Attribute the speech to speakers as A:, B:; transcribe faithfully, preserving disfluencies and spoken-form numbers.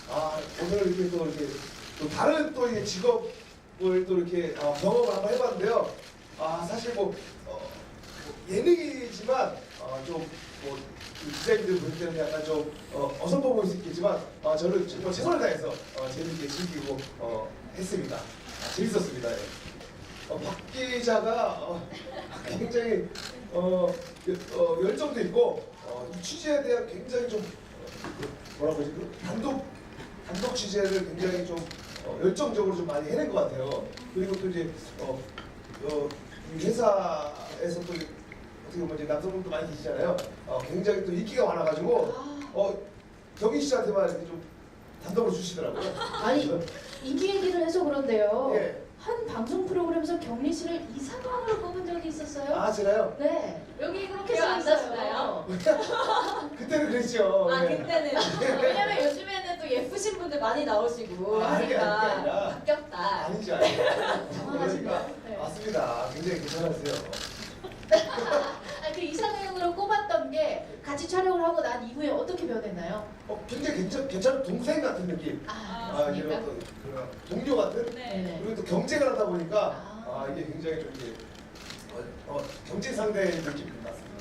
A: 아, 오늘 이렇게 또 이렇게 또 다른 또 이게 직업을 또 이렇게 어, 경험을 한번 해봤는데요. 아, 사실 뭐, 어, 뭐 예능이지만 어, 좀뭐 기자님들 볼 때는 약간 좀 어, 어설퍼 보일 수 있겠지만 어, 저는 정말 최선을 다해서 어, 재밌게 즐기고 어, 했습니다. 아, 재밌었습니다. 예. 어, 박 기자가 어, 굉장히 어, 어, 열정도 있고 어, 이 취재에 대한 굉장히 좀 어, 뭐라고 하지? 그 단독 단독 취재를 굉장히 좀 어, 열정적으로 좀 많이 해낸 것 같아요. 그리고 또 이제 어, 어, 이 회사에서 또 어떻게 보면 이제 남성분도 많이 계시잖아요. 어, 굉장히 또 인기가 많아가지고 어, 경희 씨한테만 이렇게 좀 단독으로 주시더라고요.
B: 아니 인기 얘기를 해서 그런데요.
A: 예.
B: 한 방송 프로그램에서 경리 씨를 이상형으로 뽑은 적이 있었어요?
A: 아, 제가요?
B: 네. 여기 그렇게
C: 기억 안
B: 써 있어요.
C: 나시나요?
A: 그때는 그랬죠.
C: 아
A: 예.
C: 그때는 왜냐면 요즘에는 또 예쁘신 분들 많이 나오시고
A: 아, 그게
C: 하니까
A: 아니라, 그게 아니라.
C: 바뀌었다.
A: 아니지, 아니지.
B: 당황하시네요. 네.
A: 맞습니다. 굉장히 괜찮으세요.
B: 아니, 그 이상형으로 꼽았던 게 같이 촬영을 하고 난 이후에 어떻게 변했나요?
A: 어, 굉장히 괜찮, 괜찮은 동생 같은 느낌.
B: 아,
A: 아, 이제
B: 그렇습니까?
A: 어떤 그런 동료 같은?
C: 네.
A: 그리고 또 경쟁을 하다 보니까
B: 아.
A: 아, 이게 굉장히 좀 이제 어, 어, 경쟁 상대의 느낌이 났습니다.